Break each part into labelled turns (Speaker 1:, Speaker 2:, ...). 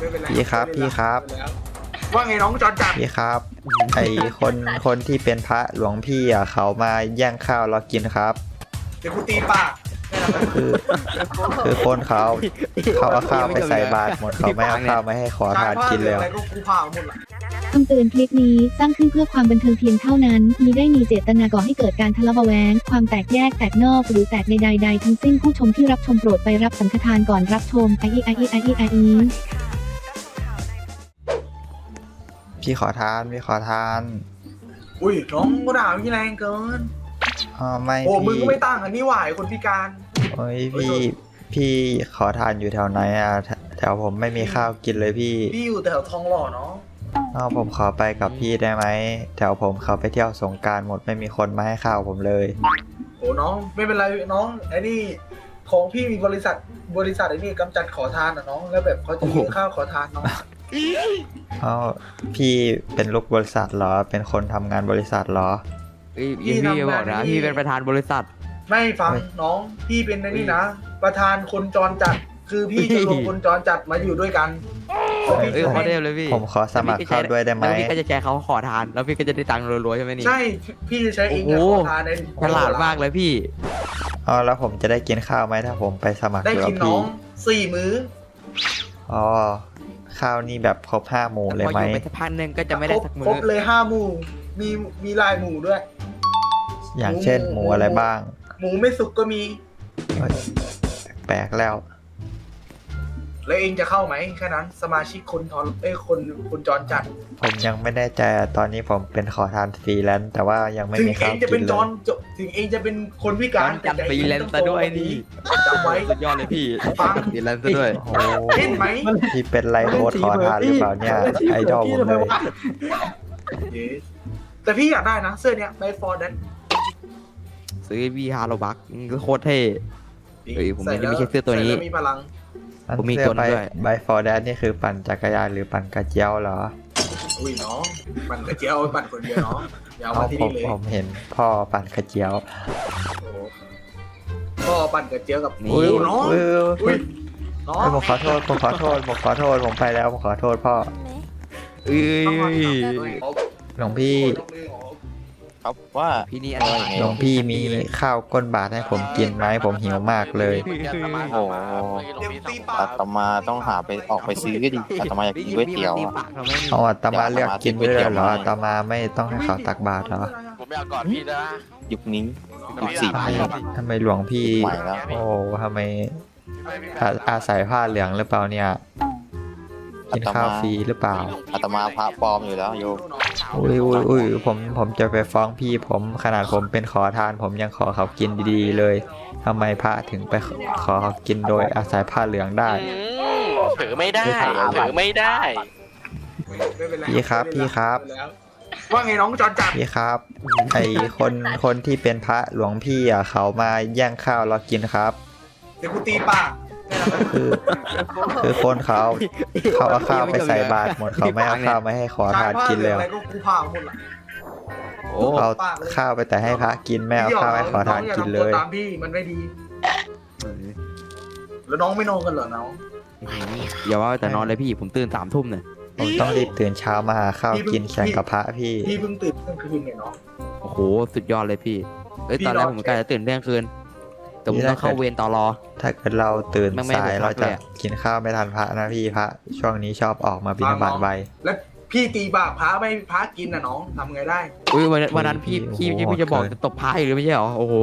Speaker 1: พี่ครับพี่ครับ
Speaker 2: ว่าไงน้องจอนจัด
Speaker 1: พี่ครับไอคนที่เป็นพระหลวงพี่อ่ะเขามาแย่งข้าวเรากินครับ
Speaker 2: เดี๋ยวกูตีปาก
Speaker 1: คือคือคนเขาเอาข้าวไปใส่บาตรหมดเขาไม่เอาข้าวมาให้ขอทานกินเลย
Speaker 2: อะไรก็กูผ่าหมดละ
Speaker 3: คำเตือนคลิปนี้สร้างขึ้นเพื่อความบันเทิงเพียงเท่านั้นมิได้มีเจตนาก่อให้เกิดการทะเลาะเบาะแว้งความแตกแยกแตกนอกหรือแตกในใดๆทั้งสิ้นผู้ชมที่รับชมโปรดไปรับสังฆทานก่อนรับชม
Speaker 1: พี่ขอทาน
Speaker 2: อุ้ยน้องก็ด่าพี่แรงเกิน
Speaker 1: ไม่
Speaker 2: โอ้มึง
Speaker 1: พี่
Speaker 2: ก็ไม่ต่างกันนี่หว่าคนพิการ
Speaker 1: โอ้ยพี่ขอทานอยู่แถวไหนอ่ะแถวผมไม่มีข้าวกินเลยพี่
Speaker 2: อยู่แถวทองหล่อเนาะ
Speaker 1: ผมขอไปกับพี่ได้ไหมแถวผมเขาไปเที่ยวสงกรานต์หมดไม่มีคนมาให้ข้าวผมเลย
Speaker 2: โอ้น้องไม่เป็นไรน้องไอ้นี่ของพี่มีบริษัทไอ้นี่กำจัดขอทานนะน้องแล้วแบบเขาจะยื่นข้าวขอทานน้อง
Speaker 1: พี่เป็นลูกบริษัทเหรอเป็นคนทำงานบริษัทเหรอ
Speaker 4: พี่บอกนะพี่เป็นประธานบริษัท
Speaker 2: ไม่ฟังน้องพี่เป็นในนี่นะประธานคนจรจัดคือพี่จะรวมคนจรจัดมาอยู่ด้วยกัน
Speaker 4: ขอเดวเลยพี่
Speaker 1: ผมขอสมัครเข้าด้วยได้ไหม
Speaker 4: แล้วพี่ก็จะแชร์เขาขอทานแล้วพี่ก็จะได้ตังค์รัวๆใช่ไหมนี่
Speaker 2: ใช่พี่จะใช้เองขอทานใน
Speaker 4: ฉลาดมากเลยพี่
Speaker 1: แล้วผมจะได้กินข้าวไหมถ้าผมไปสมัคร
Speaker 2: ได้กินน้อง4 มื้อ
Speaker 1: ข้าวนี่แบบครบ5 หมู่เลยไหม
Speaker 4: พออยู่ไปสักพักนึงก็จะไม่ได้สักมื้อ
Speaker 2: ครบเลย5 หมู่มีลายหมู่ด้วย
Speaker 1: อย่างเช่นหมูอะไรบ้าง
Speaker 2: หมูไม่สุกก็มี
Speaker 1: แปลกแล้ว
Speaker 2: แล้วเองจะเข้าไหมแค่นั้นสมาชิกคนจรจัด
Speaker 1: ผมยังไม่แน่ใจตอนนี้ผมเป็นขอทานฟรีแลนซ์แต่ว่ายังไม่มีข้าวกินเลย
Speaker 2: ถึงเองจะเป็นคนพิการ
Speaker 4: จัดฟรีแลนซ์ซะด้วยนี่
Speaker 2: จำไว้
Speaker 4: สุดยอดเลยพี่ฟรีแลนซ์ซะด้วย
Speaker 2: เห็นไหม
Speaker 1: พี่เป็นไลฟ์โค้ดขอทานหรือเปล่าเนี่ยไอดอลผมเลย
Speaker 2: แต่พี่อยากได้นะเสื้อเนี้ยไบฟอร์ดน
Speaker 4: ซื้อวีฮาร์โลบักก็โคตรเท่ผมยังไม่ใช่เสื้อตัวนี้
Speaker 2: มีพลัง
Speaker 4: ผมมีตัวด้วย
Speaker 1: ไบฟอร์แดนนี่คือปั่นจักรยานหรือปั่นกระเจียวเหรอ
Speaker 2: อุ้ยน้องปั่นกระเจียวปั่นคนเดียวเนาะยาวมาที่นี่เลย
Speaker 1: ผมเห็นพ่อปั่นกระเจียว
Speaker 2: พ่อปั่นกระเจียวกับ
Speaker 1: อุ้ยน้องผมขอโทษผมไปแล้วผมขอโทษพ่อหลวงพี่
Speaker 5: ครับว่า
Speaker 4: พี่นี่อะไร
Speaker 1: หลวงพี่มีข้าวก้นบาทให้ผมกินไหมผมหิวมากเลย
Speaker 5: โอ้อาตมาต้องออกไปซื้อก็ดีอาตมาอยากกินก๋วยเตี๋ยว
Speaker 1: อาตมาเลือกกินด้วยเหรออาตมาไม่ต้องให้เขาตักบาตรเหรอ
Speaker 5: ผมไม่เอาก่อนพี่นะยุคนี้
Speaker 1: ทำไมหลวงพี่โอ้ทำไมอาศัยผ้าเหลืองหรือเปล่าเนี่ยกินข้าวฟรีหรือเปล่า
Speaker 5: อาตมาพระปลอมอยู่แล้วโย
Speaker 1: อุ้ยผมจะไปฟ้องพี่ผมขนาดผมเป็นขอทานผมยังขอเขากินดีๆเลยทำไมพระถึงไปขอเขากินโดยอาศัยผ้าเหลืองได้
Speaker 5: ถือไม่ได้
Speaker 1: พี่ครับ
Speaker 2: ว่าไงน้องจอนจัด
Speaker 1: พี่ครับไอคนที่เป็นพระหลวงพี่อ่ะเขามาแย่งข้าวเรากินครับ
Speaker 2: เดี๋ยวกูตีปาก
Speaker 1: คือคนเขาเอาข้าวไปใส่บาตรหมดเขาไม่เอาข้าวมาให้ขอทานกินเลย
Speaker 2: อะไรก็กูผ่าหมดละ
Speaker 1: เอาข้าวไปแต่ให้พระกินไม่เอาข้าวให้ขอทานกินเลย
Speaker 2: ตามพี่มันไม่ดีแล้วน้องไม่นอนกันเหรอน้อง
Speaker 4: อย่าว่าแต่นอนเลยพี่ผมตื่น3 ทุ่มเนี่ย
Speaker 1: ผมต้องรีบตื่นเช้ามาหาข้าวกินแข่งกับพระพี่
Speaker 2: เพิ่งตื่นเที่ยงคืนเนี่ยเนาะ
Speaker 4: โอ้โหสุดยอดเลยพี่ตอนแรกผมกะจะตื่นเที่ยงคืนแต่ผมต้องเข้าเวรต่อรอ
Speaker 1: ถ้าเกิดเราตื่นสายเราจะกินข้าวไม่ทันพระนะพี่พระช่วงนี้ชอบออกมาบิณฑบาตไว
Speaker 2: แล้วพี่ตีบาปพระไม่พระกินนะน้องทำไงได้
Speaker 4: วันนั้นพี่จะบอกจะตบพระหรือไม่ใช่หรอโอ้โห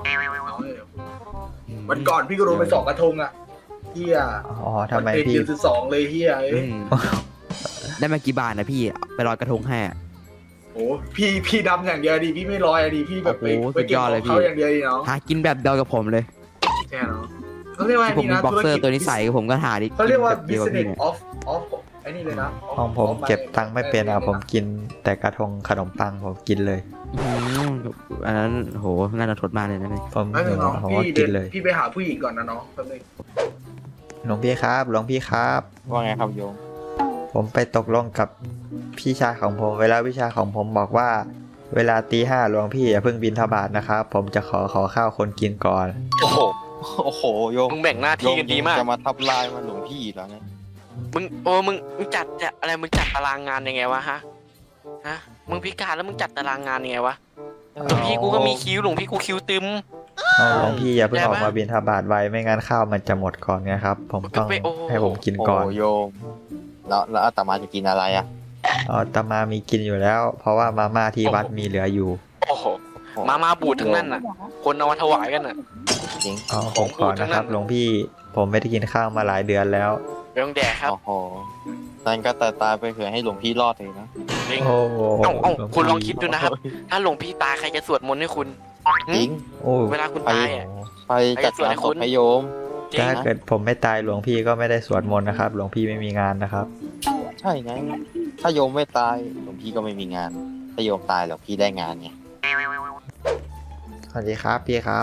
Speaker 2: วันก่อนพี่ก็โดนไป2 กระทงอ่ะเฮีย
Speaker 1: ทำไมพี่
Speaker 2: 12เลยเฮีย
Speaker 4: ได้มากี่บาทนะพี่ไปลอยกระทงแห่
Speaker 2: โอ้พี่ดำอย่างเดียวดิพี่ไม่ลอยดิพี่แบบไปเก็บของเขาอย่างเดียวดิเนาะ
Speaker 4: หากินแบบเดียวกับผมเลย
Speaker 2: ใช่เนาะเขาเรียกว่า
Speaker 4: ผมมีบ็อกเซอร์ตัวนี้ใส่กับผมก็หาดิ
Speaker 2: เขาเรียกว่า business of ไอ้นี่เลยนะ
Speaker 1: ของผมเก็บตังค์ไม่เป็นผมกินแต่กระทงขนมปังผมกินเลย
Speaker 4: อันนั้นโหน่าจะทดมากเลยนะ
Speaker 1: ผมกินเลย
Speaker 2: พี่ไปหาผู้หญิงก่อนนะน้องแป๊บนึง
Speaker 1: หลวงพี่ครับ
Speaker 5: ว่าไงครับโยม
Speaker 1: ผมไปตกลงกับพี่ชายของผมเวลาวิชาของผมบอกว่าเวลาตี 5หลวงพี่อย่าเพิ่งบิณฑบาตนะครับผมจะขอข้าวคนกินก่อน
Speaker 5: โอ้โหโยม
Speaker 6: มึงแบ่งหน้าที่กันดีมาก
Speaker 5: จะมาทับลายมาหลวงพี่แล้วเนี่ย
Speaker 6: มึงจัดอะไรมึงจัดตารางงานยังไงวะฮะมึงพิการแล้วมึงจัดตารางงานยังไงวะหลวงพี่กูก็มีคิวหลวงพี่กูคิวตึม
Speaker 1: หลวงพี่อย่าเพิ่ง
Speaker 6: ได้
Speaker 1: อ
Speaker 6: ปะ
Speaker 1: อกมาบิณฑบาตไว้ไม่งั้นข้าวมันจะหมดก่อนไงครับ ผมต้อง
Speaker 6: โอ้
Speaker 1: ให้ผมกิน
Speaker 5: โอ้
Speaker 1: ก่อน
Speaker 5: โยมแล้วอาตมาจะกินอะไรอ่ะ
Speaker 1: อาตมามีกินอยู่แล้ว เพราะว่ามาม่าที่วัดมีเหลืออยู่
Speaker 6: โอ้โหมาบูดทั้งนั้นน่ะ คนเอามาถวายกันน่ะ
Speaker 5: จริง
Speaker 1: ผมขอนะครับหลวงพี่ผมไม่ได้กินข้าวมาหลายเดือนแล้ว
Speaker 6: ไม่ต้องแดกครับ
Speaker 5: โอ้โหนั่นก็ตายไปเผื่อให้หลวงพี่รอดเลยนะ
Speaker 6: จริง
Speaker 1: โอ้โห
Speaker 6: เอ้าคุณลองคิดดูนะครับ ถ้าหลวงพี่ตายใครจะสวดมนต์ให้คุณ
Speaker 5: จริง
Speaker 1: โอ้
Speaker 6: เวลาคุณตายอ่ะ
Speaker 5: ไปจัดงานศพให้โยม
Speaker 6: จริง
Speaker 1: ถ้าเกิดผมไม่ตายหลวงพี่ก็ไม่ได้สวดมนต์นะครับ หลวงพี่ไม่มีงานนะครับ
Speaker 5: ใช่ไงถ้าโยมไม่ตายหลวงพี่ก็ไม่มีงาน ถ้าโยมตายหลวงพี่ได้งานไง
Speaker 1: สวัสดีครับพี่ครับ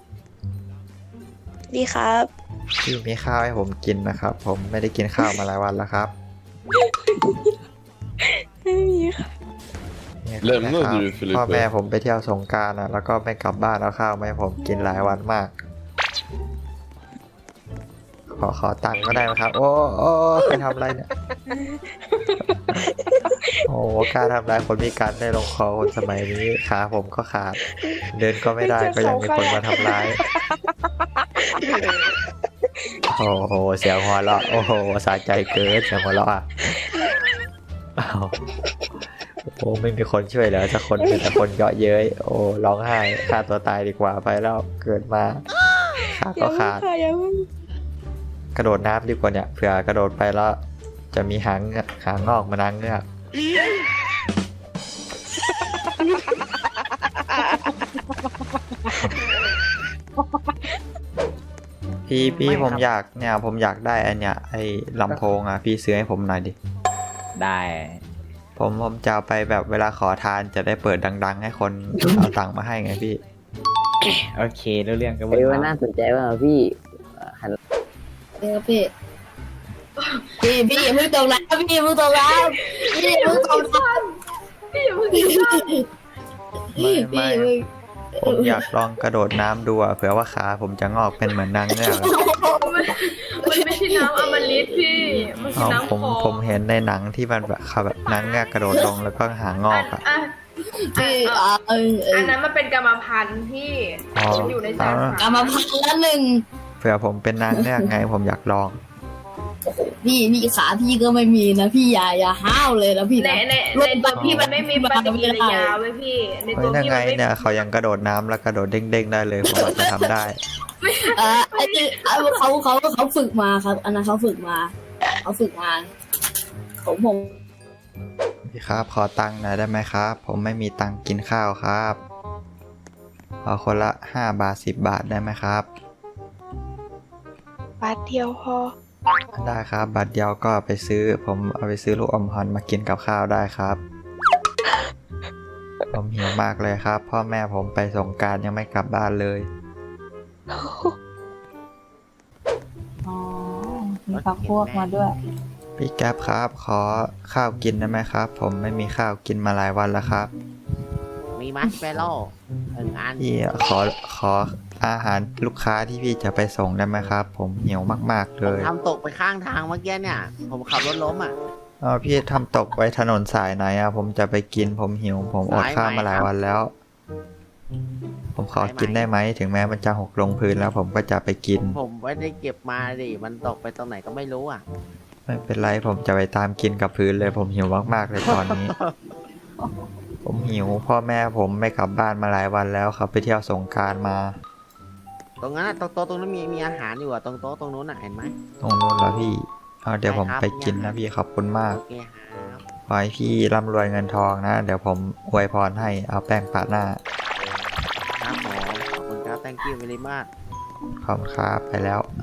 Speaker 7: ดีครับ
Speaker 1: พี่มีข้าวให้ผมกินนะครับ ผมไม่ได้กินข้าวมาหลายวันแล้วครับ
Speaker 7: ไม่มีค่ะ
Speaker 1: นี่
Speaker 8: เริ่ม
Speaker 1: นะ
Speaker 8: เมื่อ
Speaker 1: ครับ
Speaker 8: ดูฟิลิป
Speaker 1: พ่อแม่ผมไปเที่ยวสงกรานต์อะแล้วก็ไม่กลับบ้านเอาข้าวมาให้ผมกินหลายวันมาก ขอตังค์ก็ได้ไหมครับ โอ้ใครทำอะไรเนี่ย โอ้กล้าทำร้ายคนพิการได้ลงคอคนสมัยนี้ขาผมก็ขาด เดินก็ไม่ได้ก็ยังมีคนมาทำร้าย โอ้โหเสียงหัวเราะโอ้โหสะใจเกินเสียงหัวเราะอ่ะอ้าวโอ้ไม่มีคนช่วยเหลือสักคนมีแต่คนเยาะเย้ยโอ้ร้องไห้ฆ่าตัวตายดีกว่าไปแล้วเกิดมาขาก็ขาด
Speaker 7: อย่าเพิ่ง
Speaker 1: กระโดดน้ำดีกว่าเนี่ยเผื่อกระโดดไปแล้วจะมีหางงอกมานางเงือกพี่ผมอยากเนี่ยผมอยากได้อันเนี้ยไอ้ลำโพงอ่ะพี่ซื้อให้ผมหน่อยดิ
Speaker 9: ได้
Speaker 1: ผมจะเอาไปแบบเวลาขอทานจะได้เปิดดัง ๆ ให้คน เอาตังค์มาให้ไงพี่
Speaker 9: โอเครู้เรื่องก็
Speaker 10: เฮ้ยมันน่าสนใจว่ะพี่หัน
Speaker 7: เดี๋ยวพี่อย่าเพิ่งตกน้ำพี่อย่าเพิ่งตกน้ำพี่อย่าเพิ่งตกน้ำพี่อย่าเพิ่งตกน้ำ
Speaker 1: ไม่ผมอยากลองกระโดดน้ำดูอ่ะเผื่อว่าขาผมจะงอกเป็นเหมือนนางเงือกอะ
Speaker 7: มันไม่ใช่น้ำอมฤตพี่มันคือ
Speaker 1: เอา
Speaker 7: น้ำ
Speaker 1: ผมเห็นในหนังที่มันแบบนางเงือกกระโดดลงแล้วก็หางงอกอ่ะ
Speaker 7: พี่อันนั้นมันเป็นกรรมพันธุ์พี่
Speaker 1: อ๋อ
Speaker 7: มันอยู่ในสายกรรมพันธุ์ละหนึ่ง
Speaker 1: เผื่อผมเป็นนางเงือกไงผมอยากลอง
Speaker 7: พี่ขาพี่ก็ไม่มีนะพี่อย่าห้าวเลยนะพี่นะในตัวพี่มันไม่มีปฏิกิริยาเว้ยพี่ใน
Speaker 1: เฮ้
Speaker 7: ตั
Speaker 1: ยว นั่น
Speaker 7: พี่
Speaker 1: ไง
Speaker 7: มันไม่
Speaker 1: เนี่ยเขายังกระโดดน้ำแล้วกระโดดเด้งๆได้เลยผมอาจจะทำได้
Speaker 7: ไอ้ที่เขาฝึกมาครับ อันนั้นเขาฝึกมาผม
Speaker 1: พี่ครับขอตังค์หน่อยได้ไหมครับ ผมไม่มีตังค์กินข้าวครับขอคนละ5 บาท10 บาทได้ไหมครับ
Speaker 7: บาทเดียวพอ
Speaker 1: ได้ครับบัตรเดียวก็ไปซื้อผมเอาไปซื้อลูกอมฮอนมากินกับข้าวได้ครับ ผมหิวมากเลยครับ พ่อแม่ผมไปสงกรานต์ยังไม่กลับบ้านเลย
Speaker 7: อ๋อมีพักพวกมาด้วย
Speaker 1: พี่แก๊ปครับ ขอข้าวกินได้ไหมครับ ผมไม่มีข้าวกินมาหลายวันแล้วครับ
Speaker 10: มีมัชเปโร่1 อัน
Speaker 1: พี่ขออาหารลูกค้าที่พี่จะไปส่งได้ไหมครับ ผมหิวมากๆเล
Speaker 10: ผม
Speaker 1: ย
Speaker 10: ทำตกไปข้างทางเมื่อกี้เนี่ย ผมขับรถล้มอ่ะ
Speaker 1: พี่ทำตกไว้ถนนสายไหนอ่ะผมจะไปกินผมหิวผมอดข้าวมาหลายวันแล้ว ผมขอกินได้ไหมถึงแม้มันจะหกลงพื้นแล้วผมก็จะไปกิน
Speaker 10: ผมไม่ได้เก็บมาดิ มันตกไปตรงไหนก็ไม่รู้อ่ะ
Speaker 1: ไม่เป็นไรผมจะไปตามกินกับพื้นเลยผมหิวมากๆเลยตอนนี้ ผมหิวพ่อแม่ผมไม่กลับบ้านมาหลายวันแล้วครับไปเที่ยวสงกรานต์มา
Speaker 10: ตรงนั้นอะตรงโต๊ะตรงนั้นมีอาหารอยู่อ่ะ ตรงโต๊ะตรงนู้นอ่ะ เห็นไหม
Speaker 1: ตรงนู้นแล้วพี่เอาเดี๋ยวผมไปกินนะพี่ขอบคุณมาก
Speaker 10: โอเคครับ
Speaker 1: ขอให้พี่ร่ำรวยเงินทองนะ เดี๋ยวผมอวยพรให้เอาแป้งปาดหน้า
Speaker 10: ครับผมขอบคุณครับ thank you very much
Speaker 1: ขอบคุณครับไปแล้ว